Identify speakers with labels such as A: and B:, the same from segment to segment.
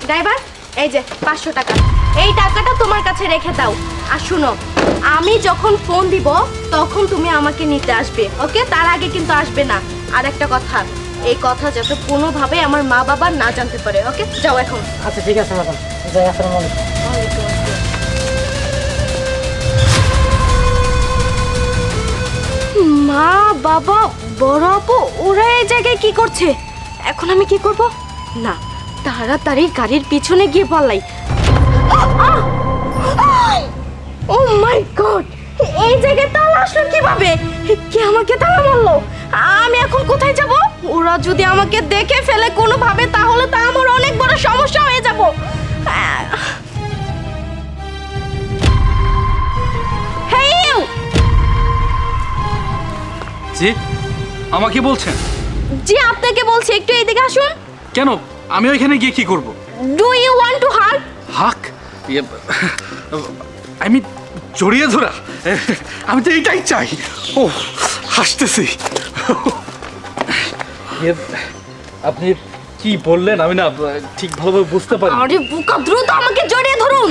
A: Driver, এই যে 500 টাকা, এই টাকাটা তোমার কাছে রেখে দাও। আর শুনো, আমি যখন ফোন দিব তখন তুমি আমাকে নিতে আসবে, ওকে? তার আগে কিন্তু আসবে না। আর একটা কথা, এই কথা যাতে কোনোভাবে আমার মা বাবা না জানতে পারে, ওকে? যাও এখন।
B: আচ্ছা ঠিক আছে ম্যাডাম, যাই। আসসালামু আলাইকুম।
A: মা বাবা বড় আপু ওরা এই জায়গায় কি করছে? এখন আমি কি করব? না, তাড়াতাড়ি গাড়ির পিছনে গিয়ে পালাই। ও মাই গড, এই জায়গায় তালা আসলো কিভাবে? কে আমাকে তালা মারলো? আমি এখন কোথায় যাব? ওরা যদি আমাকে দেখে ফেলে কোনোভাবে, তাহলে তো আমার অনেক বড় সমস্যা হয়ে যাব। Hey you!
C: জি, আমাকে বলছেন?
A: জি, আপনাকে বলছি, একটু এইদিকে আসুন।
C: কেন? আমি ওইখানে গিয়ে কি করব?
A: Do you want to hug?
C: Hug? আমি জড়িয়ে ধরা? আমি তো এটাই চাই। ও হাসতেছি। আপনি কি বললেন আমি না ঠিক ভালোভাবে বুঝতে পারি।
A: আরে বুকা, দ্রুত আমাকে জড়িয়ে ধরুন।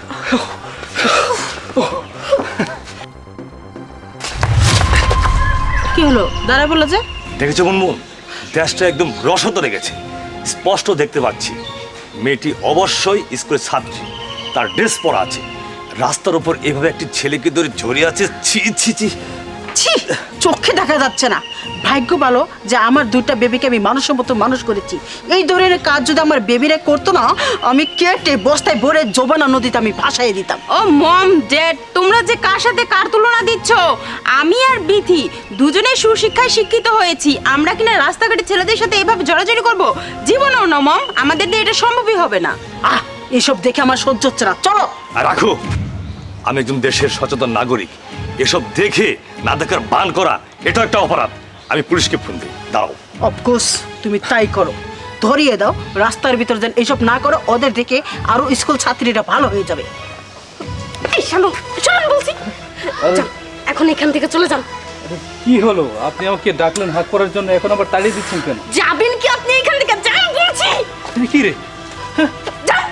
D: কি হলো? দাঁড়া বললো যে?
E: দেখেছো মুনমুন, দেশটা একদম রসত লেগেছে, স্পষ্ট দেখতে পাচ্ছি। মেয়েটি অবশ্যই স্কুলের ছাত্রী, তার ড্রেস পরা আছে। রাস্তার উপর এভাবে একটি ছেলেকে ধরে জড়িয়ে আছে। ছি ছি ছি।
D: ছি, চোখে দেখা যাচ্ছে না। ভাগ্য ভালো যে আমার দুইটা বেবিকে আমি মানুষের মতো মানুষ করেছি। এই ধরনের কাজ যদি আমার বেবিরা করতো না, আমি কেটে বস্তায় ভরে যমুনা নদীতে আমি ভাসাইয়ে দিতাম।
F: ও মম ড্যাড, তোমরা যে কার সাথে কার তুলনা দিচ্ছ? আমি আর বিথি দুজনেই সুশিক্ষায় শিক্ষিত হয়েছি। আমরা কিনা রাস্তাঘাটে ছেলেদের সাথে এভাবে জড়াজড়ি করব? জীবনেও না মম, আমাদের দিয়ে এটা সম্ভবই হবে না।
D: আহ, এসব দেখে আমার সহ্য হচ্ছে না। চলো।
E: আর রাখো, আমি একজন দেশের সচেতন নাগরিক। এসব দেখে না দেখার বান করা এটা একটা অপরাধ। আমি পুলিশকে ফোন দিই, দাঁড়াও।
D: অফকোর্স তুমি তাই করো, ধরিয়ে দাও। রাস্তার ভিতর যেন এইসব না করো, ওদের দেখে আরো স্কুল ছাত্রীরা ভালো হয়ে যাবে।
A: এই শুনুন, শুনুন বলছি। যান, এখন এখান থেকে চলে যান।
C: কি হলো? আপনি আমাকে ডাকলেন হাক করার জন্য, এখন আবার তাড়িয়ে দিচ্ছেন কেন?
A: যাবেন কি আপনি এখান থেকে? যান বলছি।
C: কি রে?
A: যান।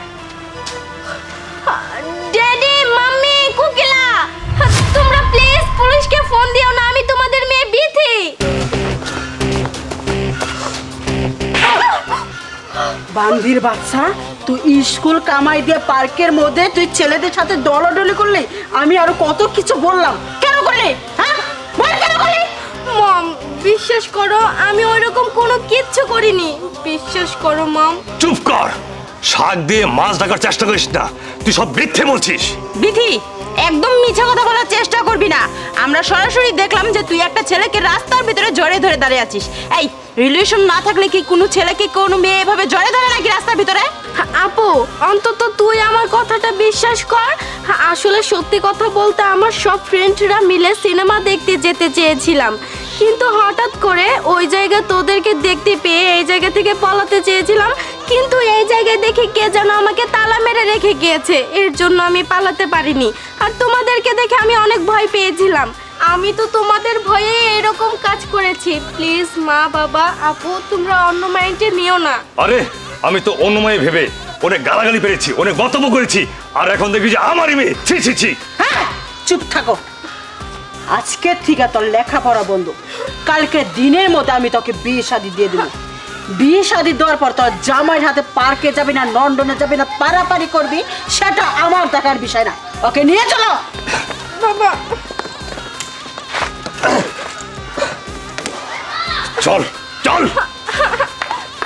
A: ড্যাডি, মাম্মি, কুকিলা, তোমরা প্লিজ পুলিশকে ফোন দিও না। আমি তোমাদের মেয়ে বিথি।
D: বান্দির বাচ্চা, তুই স্কুল কামাই দিয়ে পার্কের মধ্যে তুই ছেলেদের সাথে দলাদলি করলি। আমি আরো কত কিছু বললাম, কেন করলি? হ্যাঁ বল, কেন করলি?
A: মম, বিশ্বাস করো, আমি ওইরকম কোনো কিচ্ছু করিনি। বিশ্বাস করো মম।
E: চুপ কর, শাক দিয়ে মাছ ঢাকার চেষ্টা করিস না। তুই সব মিথ্যে বলছিস।
F: বিথি, একদম মিছা কথা বলার চেষ্টা করবি না। আমরা সরাসরি দেখলাম যে তুই একটা ছেলেকে রাস্তার ভিতরে জড়িয়ে ধরে দাঁড়িয়ে আছিস। এই রিলেশন না থাকলে কি কোনো ছেলেকে কোনো মেয়ে এভাবে জড়িয়ে ধরে নাকি রাস্তার ভিতরে?
A: আপু, অন্তত তুই আমার কথাটা বিশ্বাস কর। আসলে সত্যি কথা বলতে, আমার সব ফ্রেন্ডরা মিলে সিনেমা দেখতে যেতে চেয়েছিলাম, কিন্তু হঠাৎ করে ওই জায়গায় তোদেরকে দেখতে পেয়ে এই জায়গা থেকে পালাতে চেয়েছিলাম, কিন্তু এই জায়গায় দেখে কে যেন আমাকে তালা মেরে রেখে গিয়েছে। এর জন্য আমি পালাতে পারিনি। আর তোমাদেরকে দেখে আমি অনেক ভয় পেয়েছিলাম। আমি তো তোমাদের ভয়ে এরকম কাজ করেছি। প্লিজ মা বাবা আপু, তোমরা অন্য মাইন্ডে নিও না।
E: আরে আমি তো অন্যময় ভেবে অনেক গালাগালি পেরেছি, অনেক মন্তব্য করেছি, আর এখন দেখি যে আমারই মেয়ে। ছি ছি ছি।
D: হ্যাঁ, চুপ থাকো। আজকে থেকে তোর লেখাপড়া বন্ধ। কালকে দিনের মধ্যে আমি তোকে বিয়ে শাদী দিয়ে দেবো। বিয়ে শাদী দেওয়ার পর তোর জামাইয়ের হাতে পার্কে যাবি না, লন্ডনে যাবি না, পারাপারি করবি, সেটা আমার দেখার বিষয় না। ওকে নিয়ে চলো।
A: বাবা,
E: চল চল।